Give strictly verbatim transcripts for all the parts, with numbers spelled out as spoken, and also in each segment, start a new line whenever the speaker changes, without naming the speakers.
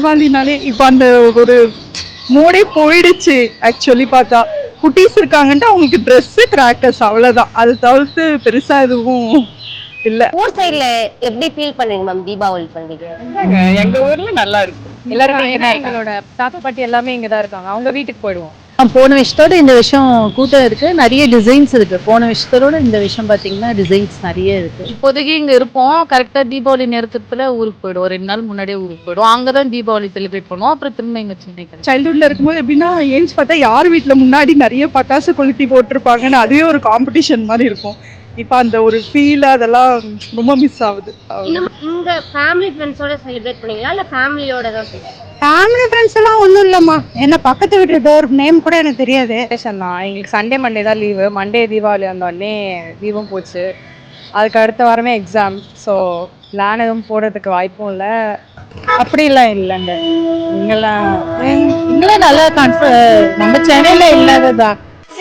தீபாவளினாலே இப்போ அந்த ஒரு மூடே போயிடுச்சு. ஆக்சுவலி பார்த்தா குட்டீஸ் இருக்காங்கன்ட்டு அவங்களுக்கு ட்ரெஸ்ஸு கிராக்கர்ஸ் அவ்வளோதான். அது தவிர்த்து பெருசா எதுவும் இல்ல.
ஊர் சைடுல எப்படி ஃபீல் பண்றீங்க மேம் தீபாவளி பண்டிகை?
எங்க ஊர்ல நல்லா இருக்கும்.
எல்லாருமே எங்களோட தாத்தா பாட்டி எல்லாமே இங்க தான் இருக்காங்க. அவங்க வீட்டுக்கு போயிடுவோம்.
போன விஷயத்தோட இந்த விஷயம் கூட்டம் இருக்கு, நிறைய டிசைன்ஸ் இருக்கு. போன விஷயத்தோட இந்த விஷயம் பாத்தீங்கன்னா டிசைன்ஸ் நிறைய இருக்கு.
இப்போதைக்கு இங்க இருப்போம். கரெக்டா தீபாவளி நேரத்துல ஊருக்கு போயிடுவோம். ரெண்டு நாள் முன்னாடியே ஊருக்கு போயிடுவோம். அங்கதான் தீபாவளி செலிப்ரேட் பண்ணுவோம். அப்புறம் திரும்ப இங்க சென்னைக்கு.
சைல்ட்ஹுட்ல இருக்கும்போது எப்படின்னா ஏஞ்சி பார்த்தா யார் வீட்டில் முன்னாடி நிறைய பட்டாசு கொளுத்தி போட்டிருப்பாங்கன்னு அதுவே ஒரு காம்படிஷன் மாதிரி இருக்கும். இப்போ அந்த ஒரு ஃபீல் அதெல்லாம் ரொம்ப மிஸ் ஆகுது.
இங்க ஃபேமிலி ஃப்ரெண்ட்ஸோட செலிப்ரேட் பண்ணீங்களா இல்ல ஃபேமிலியோட தான்?
ஃபேமிலி ஃப்ரெண்ட்ஸ் எல்லாம் ஒன்றும் இல்லைம்மா. என்ன பக்கத்து வீட்டு டோர் நேம் கூட எனக்கு தெரியாது.
தான் எங்களுக்கு சண்டே மண்டே தான் லீவு. மண்டே தீபாவளி வந்தோடனே லீவும் போச்சு. அதுக்கு அடுத்த வாரமே எக்ஸாம். ஸோ பிளான் எதுவும் போடுறதுக்கு வாய்ப்பும் இல்லை. அப்படிலாம் இல்லைங்க. இங்கெல்லாம்
இங்கெல்லாம் நல்லா கன்ஃப நம்ம சென்னையில இல்லாததான்.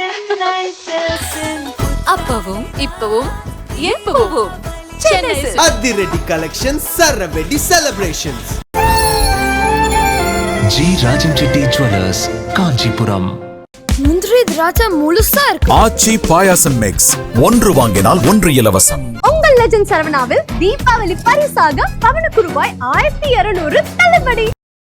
அப்பவும் இப்பவும் எப்பவும்
அதிரடி கலெக்ஷன் சரவெடி celebrations.
G Rajan Reddy jewellers, Kanchipuram.
முந்திரி திராட்சை முழுசா இருக்கு.
ஆச்சி பாயாசம் மிக்ஸ், ஒன்று வாங்கினால் ஒன்று இலவசம்.
உங்கள் லெஜண்ட் சரவணாவில் தீபாவளி பரிசாக பவனுக்கு ரூபாய் ஆயிரத்தி இருநூறு தள்ளுபடி.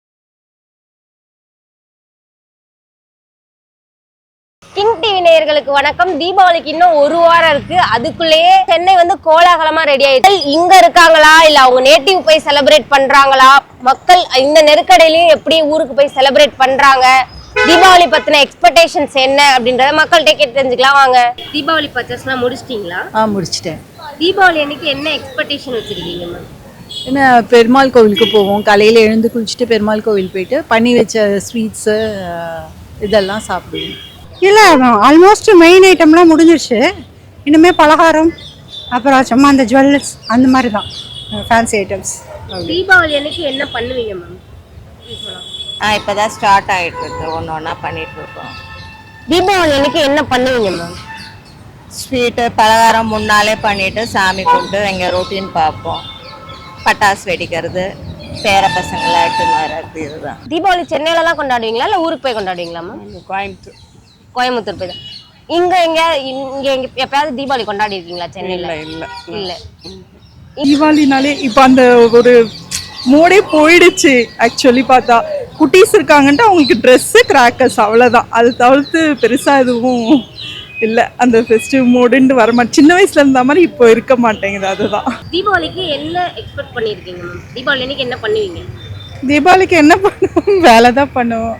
கிங் டிவி நேயர்களுக்கு வணக்கம். தீபாவளிக்கு இன்னும் ஒரு வாரம் இருக்கு. அதுக்குள்ளேயே சென்னை வந்து கோலாகலமா ரெடி ஆயிடுச்சு. இங்க இருக்காங்களா இல்ல அவங்க நேட்டிவ் போய் செலிப்ரேட் பண்றாங்களா, மக்கள் இந்த நெருக்கடியிலையும் எப்படி ஊருக்கு போய் செலிப்ரேட் பண்றாங்க, தீபாவளி பத்தின எக்ஸ்பெக்டேஷன்ஸ் என்ன அப்படின்றத மக்கள்கிட்ட கேட்டு தெரிஞ்சுக்கலாம் வாங்க. தீபாவளி பர்ச்சேஸ் எல்லாம் முடிச்சிட்டீங்களா?
ஆ முடிச்சிட்டேன்.
தீபாவளி அன்னைக்கு என்ன எக்ஸ்பெக்டேஷன் வச்சிருக்கீங்க மேம்?
என்ன, பெருமாள் கோவிலுக்கு போவோம். காலையில் எழுந்து குளிச்சுட்டு பெருமாள் கோவில் போயிட்டு பண்ணி வச்ச ஸ்வீட்ஸு இதெல்லாம் சாப்பிடுவோம்.
இல்லை, ஆல்மோஸ்ட் மெயின் ஐட்டம்லாம் முடிஞ்சிருச்சு. இனிமே பலகாரம், அப்புறம் சும்மா அந்த ஜுவல்லர்ஸ் அந்த மாதிரி தான் ஃபேன்சி ஐட்டம்ஸ்.
தீபாவளி அன்னைக்கு என்ன பண்ணுவீங்க மேம்?
ஆ இப்போதான் ஸ்டார்ட் ஆகிட்டு இருக்கு. ஒன்று ஒன்றா பண்ணிட்டு இருக்கோம்.
தீபாவளி அன்னைக்கு என்ன பண்ணுவீங்க மேம்?
ஸ்வீட்டு பலகாரம் முன்னாலே பண்ணிட்டு சாமி கும்பிட்டு எங்கள் ரொட்டீன் பார்ப்போம். பட்டாசு வெடிக்கிறது, பேர பசங்களை எடுத்துன்னு வர்றது, இதுதான்.
தீபாவளி சென்னையில தான் கொண்டாடுவீங்களா இல்லை ஊருக்கு போய் கொண்டாடுவீங்களா மேம்?
கோயம்புத்தூர்
கோயம்புத்தூர் போய் தான். இங்க எங்க இங்க எங்க எப்பயாவது தீபாவளி கொண்டாடி இருக்கீங்களா சென்னையில?
இல்ல
இல்ல.
தீபாவளினாலே இப்போ அந்த ஒரு மூடே போயிடுச்சு. ஆக்சுவலி பார்த்தா குட்டீஸ் இருக்காங்கன்ட்டு அவங்களுக்கு ட்ரெஸ்ஸு கிராக்கர்ஸ் அவ்வளோதான். அது தவிர்த்து பெருசா எதுவும் இல்லை. அந்த ஃபெஸ்டிவ் மூடுன்னு வர மாட்டேன். சின்ன வயசுல இருந்த மாதிரி இப்போ இருக்க மாட்டேங்குது. அதுதான்.
தீபாவளிக்கு என்ன எக்ஸ்பெக்ட் பண்ணிருக்கீங்க மேம்? தீபாவளி அன்னைக்கு என்ன பண்ணுவீங்க?
தீபாவளிக்கு என்ன பண்ணுவோம்? வேலை தான் பண்ணுவோம்.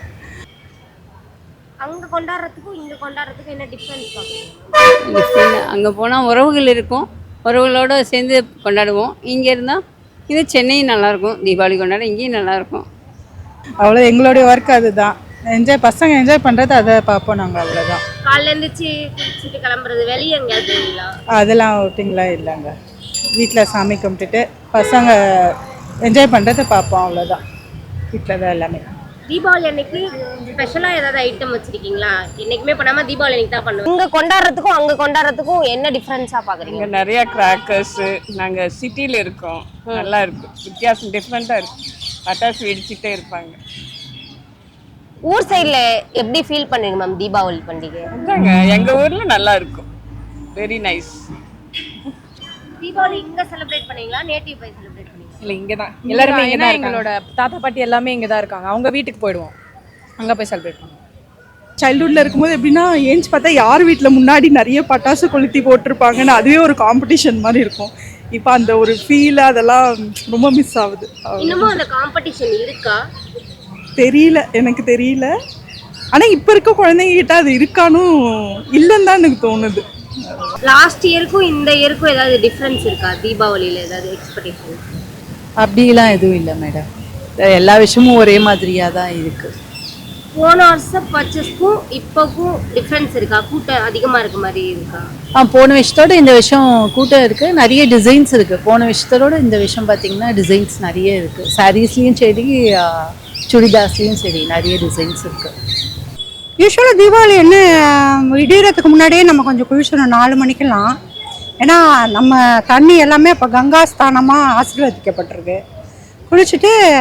அங்க கொண்டாடுறதுக்கும் இங்க கொண்டாடுறதுக்கும் என்ன டிஃபரன்ஸ் பாக்குறீங்க?
அங்கே போனால் உறவுகள் இருக்கும், உறவுகளோடு சேர்ந்து கொண்டாடுவோம். இங்கே இருந்தால் இது சென்னையும் நல்லாயிருக்கும், தீபாவளி கொண்டாட இங்கேயும் நல்லாயிருக்கும்.
அவ்வளோ எங்களுடைய ஒர்க் அதுதான். என்ஜாய் பசங்க என்ஜாய் பண்ணுறது அதை பார்ப்போம் நாங்கள். அவ்வளோதான்.
காலைல எழுந்திரிச்சு குளிச்சுட்டு கிளம்புறது, வெளியே எங்கேயாவது போவீங்களா?
அதெல்லாம் அவுட்டிங்லாம் இல்லைங்க. வீட்டில் சாமி கும்பிட்டுட்டு பசங்க என்ஜாய் பண்ணுறதை பார்ப்போம். அவ்வளோதான். வீட்டில் தான் எல்லாமே.
தீபாவளி அன்னைக்கு ஸ்பெஷலா ஏதாவது ஐட்டம் வச்சிருக்கீங்களா? என்னைக்குமே பண்ணாம தீபாவளி அன்னைக்கு தான் பண்ணுவோம். இங்க கொண்டாடுறதுக்கும் அங்க கொண்டாடுறதுக்கும் என்ன டிஃபரன்ஸா பாக்குறீங்க?
இங்க நிறைய கிராக்கர்ஸ். நாங்க சிட்டில இருக்கோம். நல்லா இருக்கு, வித்தியாசம் டிஃப்ரெண்டா இருக்கு. பட்டாசு வெடிச்சுட்டே இருப்பாங்க.
ஊர் சைடுல எப்படி ஃபீல் பண்ணுவீங்க மேம் தீபாவளி பண்டிகை?
எங்க ஊர்ல நல்லா இருக்கும். Very nice.
தீபாவளி இங்க செலிப்ரேட் பண்ணீங்களா நேட்டிவ் போய் செலிப்ரேட் பண்ணீங்களா?
இல்ல இங்க தான் எல்லாரும் இங்க தான். எங்களோட தாத்தா பாட்டி எல்லாமே இங்க தான் இருக்காங்க. அவங்க வீட்டுக்கு போயிடுவோம். அங்க போய் செலிப்ரேட் பண்ணுவோம்.
சைல்ட்ஹுட்ல இருக்கும்போது எப்படின்னா ஏஞ்சி பார்த்தா யார் வீட்டில் முன்னாடி நிறைய பட்டாசு கொளுத்தி போட்டிருப்பாங்கன்னு அதுவே ஒரு காம்படிஷன் மாதிரி இருக்கும். இப்போ அந்த ஒரு ஃபீல் அதெல்லாம் ரொம்ப மிஸ் ஆகுது.
இன்னமும் அந்த காம்படிஷன் இருக்கா?
தெரியல, எனக்கு தெரியல. ஆனால் இப்போ இருக்க குழந்தைங்க கிட்ட அது இருக்கானும் இல்லைன்னு தான் எனக்கு தோணுது.
லாஸ்ட் இயருக்கும் இந்த இயருக்கும் ஏதாவது டிஃபரன்ஸ் இருக்கா? தீபாவளியில ஏதாவது எக்ஸ்பெக்டேஷன்?
அப்படிலாம் எதுவும் இல்லை மேடம். எல்லா விஷயமும் ஒரே மாதிரியாக தான் இருக்குது.
போன வருஷம் பர்ச்சேஸ்க்கும் இப்போக்கும் டிஃப்ரென்ஸ் இருக்கா? கூட்டம் அதிகமாக இருக்க மாதிரி இருக்கா?
ஆ போன விஷயத்தோட இந்த விஷயம் கூட்டம் இருக்குது, நிறைய டிசைன்ஸ் இருக்குது. போன விஷயத்தோட இந்த விஷயம் பார்த்திங்கன்னா டிசைன்ஸ் நிறைய இருக்குது. சாரீஸ்லேயும் சரி, சுடிதாஸ்லேயும் சரி, நிறைய டிசைன்ஸ் இருக்குது.
யூஸ்வலாக தீபாவளி என்ன இடியறதுக்கு முன்னாடியே நம்ம கொஞ்சம் குளிச்சிடணும் நாலு மணிக்கெல்லாம். ஏன்னா நம்ம தண்ணி எல்லாமே இப்போ கங்கா ஸ்தானமாக ஆசீர்வதிக்கப்பட்டிருக்கு. குளிச்சுட்டு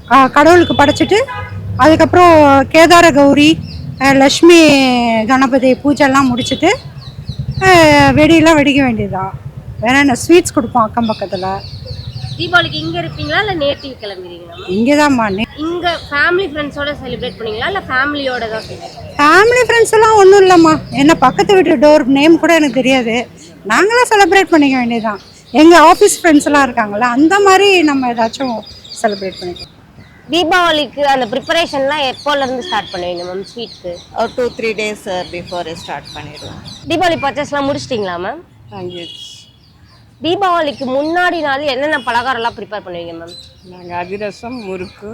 கடவுளுக்கு படைச்சிட்டு அதுக்கப்புறம் கேதார கௌரி அஹ், லக்ஷ்மி கணபதி பூஜைலாம் முடிச்சுட்டு அஹ், வெடியெல்லாம் வெடிக்க வேண்டியதுதான். வேற என்ன ஸ்வீட்ஸ் கொடுப்போம் அக்கம் பக்கத்தில்.
தீபாவளிக்கு இங்க இருப்பீங்களா இல்ல நேட்டிவ் கிளம்பிடுவீங்களா மேம்?
இங்கே தான்மா.
இங்க ஃபேமிலி ஃப்ரெண்ட்ஸோட செலிப்ரேட் பண்ணுவீங்களா இல்ல ஃபேமிலியோட தான் செலிப்ரேட்?
ஃபேமிலி ஃப்ரெண்ட்ஸ் எல்லாம் ஒன்றும் இல்லைம்மா. என்ன பக்கத்து வீட்டு டோர் நேம் கூட எனக்கு தெரியாது. நாங்களாம் செலிப்ரேட் பண்ணிக்க வேண்டியதுதான். எங்கள் ஆஃபீஸ் ஃப்ரெண்ட்ஸ் எல்லாம் இருக்காங்களா, அந்த மாதிரி நம்ம ஏதாச்சும் செலிப்ரேட் பண்ணிக்கலாம்.
தீபாவளிக்கு அந்த ப்ரிப்பரேஷன்லாம் எப்போல இருந்து ஸ்டார்ட் பண்ணுவீங்க மேம் ஸ்வீட்க்கு?
ஒரு two three days before start பண்ணிடுவோம்.
தீபாவளி பர்ச்சேஸ்லாம் முடிச்சிட்டிங்களா மேம்? தீபாவளிக்கு முன்னாடி நாள் என்னென்ன பலகாரம்லாம் ப்ரிப்பேர் பண்ணுவீங்க மேம்?
நாங்கள் அதிரசம், முறுக்கு,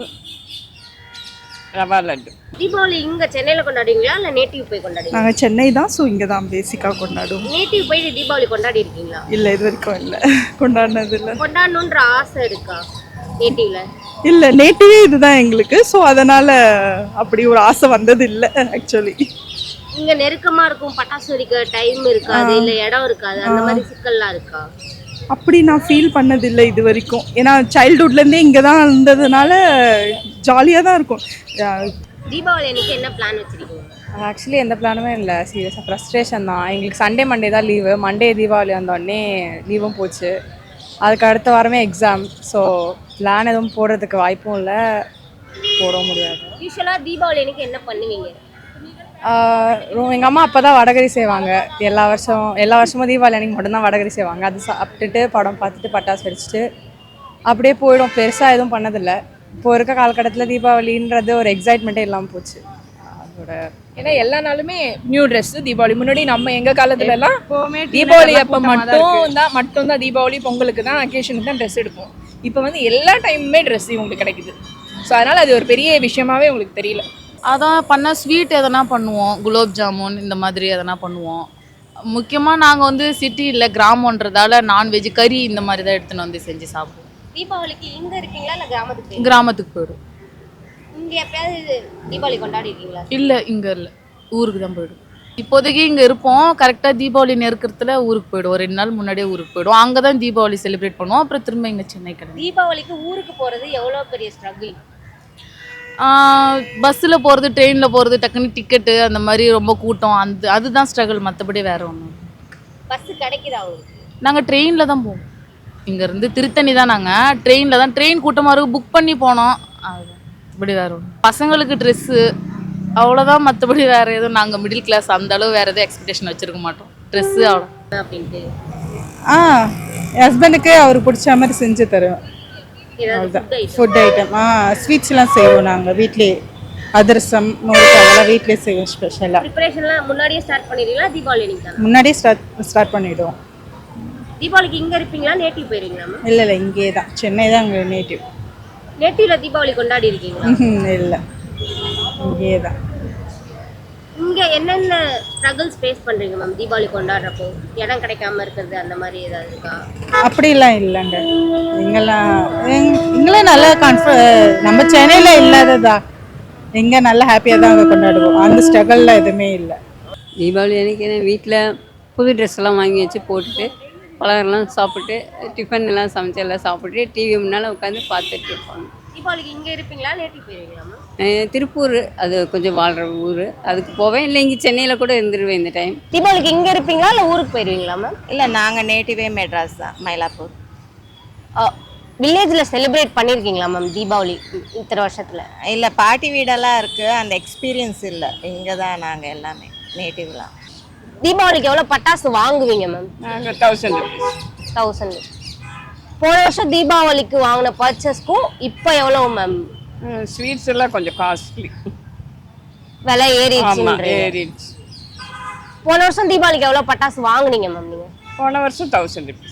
ரவா லட்டு.
தீபாவளி இங்க சென்னையில கொண்டாடுவீங்களா இல்ல நேட்டிவ் போய் கொண்டாடுவீங்களா?
நாங்கள் சென்னை தான், ஸோ இங்கே தான் பேசிக்காக கொண்டாடுவோம்.
நேட்டிவ் போய் தீபாவளி கொண்டாடி இருக்கீங்களா?
இல்லை, இது வரைக்கும் இல்லை, கொண்டாடினது இல்லை.
கொண்டாடணுன்ற ஆசை இருக்கா நேட்டிவ்ல?
இல்லை, நேட்டிவே இதுதான் எங்களுக்கு, ஸோ அதனால் அப்படி ஒரு ஆசை வந்தது இல்லை ஆக்சுவலி.
இங்க நெருக்கமா இருக்கும், பட்டாசு வெடிக்க டைம் இருக்காது, இல்ல இடம் இருக்காது, அந்த மாதிரி சிக்கல்லாம் இருக்கா?
அப்படி நான் ஃபீல் பண்ணதில்லை இது வரைக்கும். ஏன்னா சைல்டுஹுட்லேருந்தே இங்கே தான் இருந்ததுனால ஜாலியாக தான் இருக்கும்.
தீபாவளி அன்னைக்கு என்ன பிளான் வச்சிருக்கீங்க?
ஆக்சுவலி எந்த பிளானுமே இல்லை, சீரியஸாக ஃப்ரஸ்ட்ரேஷன் தான். எங்களுக்கு சண்டே மண்டே தான் லீவு. மண்டே தீபாவளி வந்தோடனே லீவும் போச்சு. அதுக்கு அடுத்த வாரமே எக்ஸாம். ஸோ பிளான் எதுவும் போடுறதுக்கு வாய்ப்பும் இல்லை, போட முடியாது.
யூஸ்வலாக தீபாவளி அன்னைக்கு என்ன பண்ணுவீங்க?
எங்கள் அம்மா அப்போ தான் வடகரி செய்வாங்க. எல்லா வருஷம் எல்லா வருஷமும் தீபாவளி அன்னைக்கு மட்டும்தான் வடகரி செய்வாங்க. அது சாப்பிட்டுட்டு படம் பார்த்துட்டு பட்டாசு வெடிச்சிட்டு அப்படியே போயிடும். பெருசாக எதுவும் பண்ணதில்லை. இப்போ இருக்க காலகட்டத்தில் தீபாவளின்றது ஒரு எக்ஸைட்மெண்ட்டே இல்லாமல் போச்சு அதோட.
ஏன்னா எல்லா நாளுமே நியூ ட்ரெஸ். தீபாவளி முன்னாடி நம்ம எங்கள் காலத்துல எல்லாம் தீபாவளி அப்போ மட்டும் தான் மட்டும் தான் தீபாவளி பொங்கலுக்கு தான் அக்கேஷனுக்கு தான் ட்ரெஸ் எடுப்போம். இப்போ வந்து எல்லா டைமுமே ட்ரெஸ் உங்களுக்கு கிடைக்குது. ஸோ அதனால் அது ஒரு பெரிய விஷயமாவே உங்களுக்கு தெரியல.
அதான் பண்ண ஸ்வீட் எதனா பண்ணுவோம், குலோப் ஜாமுன் இந்த மாதிரி எதனா பண்ணுவோம். முக்கியமாக நாங்கள் வந்து சிட்டி இல்லை கிராமன்றதால நான்வெஜ் கறி இந்த மாதிரி தான் எடுத்துன்னு வந்து செஞ்சு சாப்பிடுவோம்.
தீபாவளிக்கு இங்க இருக்கீங்களா இல்ல கிராமத்துக்கு?
கிராமத்துக்கு போயிடும்.
இங்க எப்பயாவது தீபாவளி கொண்டாடி இருக்கீங்களா?
இல்லை, இங்கே இல்லை, ஊருக்கு தான் போயிடும். இப்போதைக்கு இங்கே இருப்போம். கரெக்டாக தீபாவளி நெருக்கிறதுல ஊருக்கு போயிடுவோம். ரெண்டு நாள் முன்னாடியே ஊருக்கு போயிடுவோம். அங்கே தான் தீபாவளி செலிப்ரேட் பண்ணுவோம். அப்புறம் திரும்ப இங்கே சென்னை கிளம்பி.
தீபாவளிக்கு ஊருக்கு போகிறது எவ்வளோ பெரிய ஸ்ட்ரகிள்?
பஸ்ஸில் போகிறது, ட்ரெயினில் போகிறது, டக்குன்னு டிக்கெட்டு அந்த மாதிரி ரொம்ப கூட்டம், அந்த அதுதான் ஸ்ட்ரகிள். மற்றபடி வேறு ஒன்றும்.
பஸ்ஸு கிடைக்குதா உங்களுக்கு?
நாங்கள் ட்ரெயினில் தான் போவோம். இங்கேருந்து திருத்தணி தான், நாங்கள் ட்ரெயினில் தான். ட்ரெயின் கூட்டமாக இருக்கும், புக் பண்ணி போனோம். அதுதான், இப்படி வேறு ஒன்று. பசங்களுக்கு ட்ரெஸ்ஸு அவ்வளோதான். மற்றபடி வேறு எதுவும் நாங்கள் மிடில் கிளாஸ், அந்த அளவு வேறு எதுவும் எக்ஸ்பெக்டேஷன் வச்சுருக்க மாட்டோம். ட்ரெஸ்ஸு அவ்வளோ
அப்படின்ட்டு.
ஆ, என் ஹஸ்பண்டுக்கு அவருக்கு பிடிச்ச மாதிரி செஞ்சு தருவேன். அதுதான் ஃபுட் ஐட்டம். ஆ, ஸ்வீட்ஸ்லாம் செய்வோம் நாங்கள் வீட்லேயே. அதிரசம், முறுக்கு அதெல்லாம் வீட்லேயே செய்வோம் ஸ்பெஷலாக.
ப்ரிப்பரேஷன்லாம் முன்னாடியே ஸ்டார்ட் பண்ணிடுவீங்களா தீபாவளி அன்னைக்கு தான்?
முன்னாடியே ஸ்டார்ட் ஸ்டார்ட் பண்ணிவிடுவோம்.
தீபாவளிக்கு இங்கே இருப்பீங்களா நேட்டிவ் போயிருவீங்களா?
இல்லை இல்லை, இங்கே தான், சென்னை தான் எங்கள் நேட்டிவ்.
நேட்டிவ்ல தீபாவளி கொண்டாடி இருக்கீங்களா?
இல்லை, இங்கே தான்.
இங்கே என்னென்ன ஸ்ட்ரகிள்ஸ் ஃபேஸ் பண்ணுறீங்க மேம் தீபாவளி கொண்டாடுறப்போ? இடம் கிடைக்காம இருக்கிறது அந்த மாதிரி ஏதாவது இருக்கா?
அப்படிலாம் இல்லைங்க. இங்கெல்லாம் இங்கெல்லாம் நல்லா கன்ஃப நம்ம சென்னையில் இல்லாததா, இங்கே நல்லா ஹாப்பியாக தான் அங்கே கொண்டாடுவோம். அந்த ஸ்ட்ரகிள்லாம் எதுவுமே இல்லை.
தீபாவளி அன்றைக்கி என்ன வீட்டில் புது ட்ரெஸ் எல்லாம் வாங்கி வச்சு போட்டுட்டு பலகாரம்லாம் சாப்பிட்டு டிஃபன் எல்லாம் சமைச்சு எல்லாம் சாப்பிட்டு டிவி முன்னால் உட்காந்து பார்த்துட்டு இருப்பாங்க.
தீபாவளிக்கு இங்கே இருப்பீங்களா நேட்டிவ் போயிருவீங்களா மேம்?
திருப்பூர், அது கொஞ்சம் வாழ்கிற ஊர், அதுக்கு போவேன். இல்லை இங்கே சென்னையில் கூட இருந்துருவேன் இந்த டைம்.
தீபாவளிக்கு இங்கே இருப்பீங்களா இல்லை ஊருக்கு போயிருவீங்களா மேம்?
இல்லை, நாங்கள் நேட்டிவே மெட்ராஸ் தான், மயிலாப்பூர்.
வில்லேஜில் செலிப்ரேட் பண்ணியிருக்கீங்களா மேம் தீபாவளி இத்தனை வருஷத்தில்?
இல்லை, பாட்டி வீடெல்லாம் இருக்குது, அந்த எக்ஸ்பீரியன்ஸ் இல்லை. இங்கே தான் நாங்கள் எல்லாமே நேட்டிவ்லாம்.
தீபாவளிக்கு எவ்வளோ பட்டாசு வாங்குவீங்க மேம்?
நாங்கள் தௌசண்ட் ருபீஸ்.
தௌசண்ட். போன வருஷம் தீபாவளிக்கு வாங்கின பர்ச்சேஸ்க்கும் இப்போ எவ்வளோ மேம்?
ஸ்வீட்ஸ் எல்லாம் கொஞ்சம் காஸ்ட்லி,
விலை ஏறிடுச்சு.
ஏறிடுச்சு.
போன வருஷம் தீபாவளிக்கு எவ்வளோ பட்டாசு வாங்குனீங்க மேம் நீங்கள்?
போன வருஷம் தௌசண்ட் ருபீஸ்.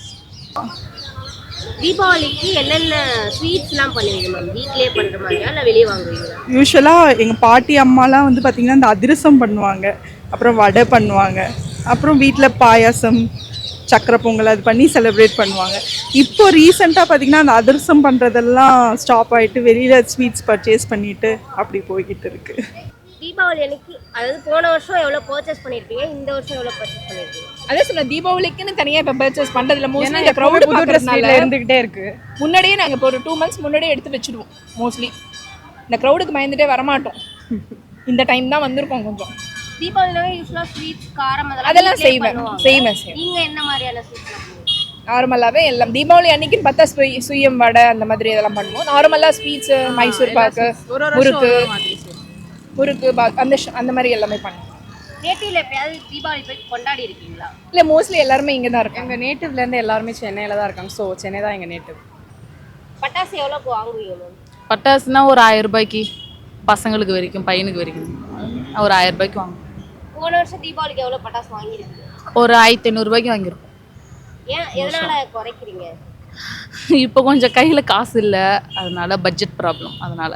தீபாவளிக்கு என்னென்ன ஸ்வீட்ஸ்லாம் பண்ணுவீங்க மேம்? வீட்டிலே பண்ணுற மாதிரியா இல்லை வெளியே வாங்குவீங்களா?
யூஸ்வலாக எங்கள் பாட்டி அம்மாலாம் வந்து பார்த்திங்கன்னா இந்த அதிரசம் பண்ணுவாங்க, அப்புறம் வடை பண்ணுவாங்க, அப்புறம் வீட்டில் பாயாசம், சக்கரை பொங்கல் அது பண்ணி செலிப்ரேட் பண்ணுவாங்க. இப்போ ரீசெண்டாக பார்த்திங்கன்னா அந்த அதிரசம் பண்ணுறதெல்லாம் ஸ்டாப் ஆகிட்டு வெளியில் ஸ்வீட்ஸ் பர்ச்சேஸ் பண்ணிவிட்டு அப்படி போய்கிட்டு இருக்குது.
தீபாவளி அன்னைக்கு அதாவது போன வருஷம் எவ்வளவு பர்ச்சேஸ் பண்ணிருப்பீங்க, இந்த வருஷம் எவ்வளவு பர்ச்சேஸ் பண்ணிருக்கீங்க?
அதே சொன்ன தீபாவளிக்குன்னு தனியா இப்ப பர்ச்சேஸ் பண்றதுல மோஸ்ட்லி
ஏன்னா
இந்த
எப்பவுமே
க்ரௌட்
புது ட்ரெஸ்
பாக்குறதுனால
இருந்துகிட்டே இருக்கு.
முன்னாடியே நாங்க இப்போ ஒரு டூ மந்த்ஸ் முன்னாடியே எடுத்து வச்சிடுவோம். மோஸ்ட்லி இந்த க்ரௌடுக்கு பயந்துட்டே வரமாட்டோம். இந்த டைம் தான் வந்திருக்கோம் கொஞ்சம்.
தீபாவளினாவே யூஸ்வலா ஸ்வீட்ஸ், காரம்
அதெல்லாம் செய்வேன் செய்வேன் செய்வேன்.
நீங்க என்ன மாதிரியான ஸ்வீட்ஸ்?
நார்மலாகவே எல்லாம் தீபாவளி அன்னைக்குன்னு பார்த்தா சுய் சுயம் வடை அந்த மாதிரி இதெல்லாம் பண்ணுவோம். நார்மலாக ஸ்வீட்ஸு, மைசூர் பாக்கு, முறுக்கு முறுக்கு பாக் அந்த ஷ- அந்த மாதிரி எல்லாமே பண்ணுவோம்.
நேட்டிவ்ல எப்பயாவது தீபாவளி போய் கொண்டாடி இருக்கீங்களா?
இல்லை மோஸ்ட்லி எல்லாருமே இங்கே தான் இருக்காங்க.
எங்கள் நேட்டிவ்லேருந்து எல்லாருமே சென்னையில் தான் இருக்காங்க. ஸோ சென்னை தான் எங்கள் நேட்டிவ்.
பட்டாசு எவ்வளோக்கு வாங்குவீங்க மேம்?
பட்டாசுனா ஒரு ஆயிரம் ரூபாய்க்கு பசங்களுக்கு வரைக்கும், பையனுக்கு வரைக்கும் ஒரு ஆயிரம் ரூபாய்க்கு வாங்குவோம்.
போன வருஷம் தீபாவளிக்கு எவ்வளோ பட்டாசு வாங்கியிருக்கீங்க?
ஒரு ஆயிரத்தி ஐநூறுரூபாய்க்கு வாங்கியிருக்கோம்.
ஏன் எதனால குறைக்கிறீங்க?
இப்போ கொஞ்சம் கையில் காசு இல்லை, அதனால பட்ஜெட் ப்ராப்ளம். அதனால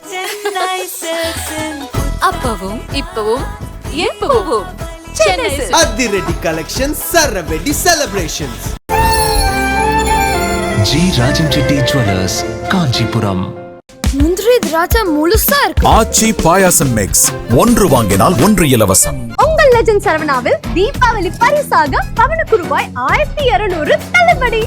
அப்பவும் இப்பவும் எப்பவும் சென்னை சில்க்ஸ்.
அதிரடி கலெக்ஷன்ஸ், சரவெடி celebrations.
G Rajan Reddy jewellers, Kanchipuram.
முந்திரி திராட்சை முழுசா இருக்கு.
ஆச்சி பாயாசம் மிக்ஸ் ஒன்று வாங்கினால் ஒன்று இலவசம்.
உங்கள் லெஜண்ட் சரவணாவில் தீபாவளி பரிசாக பவனுக்கு ரூபாய் ஆயிரத்தி இருநூறு தள்ளுபடி.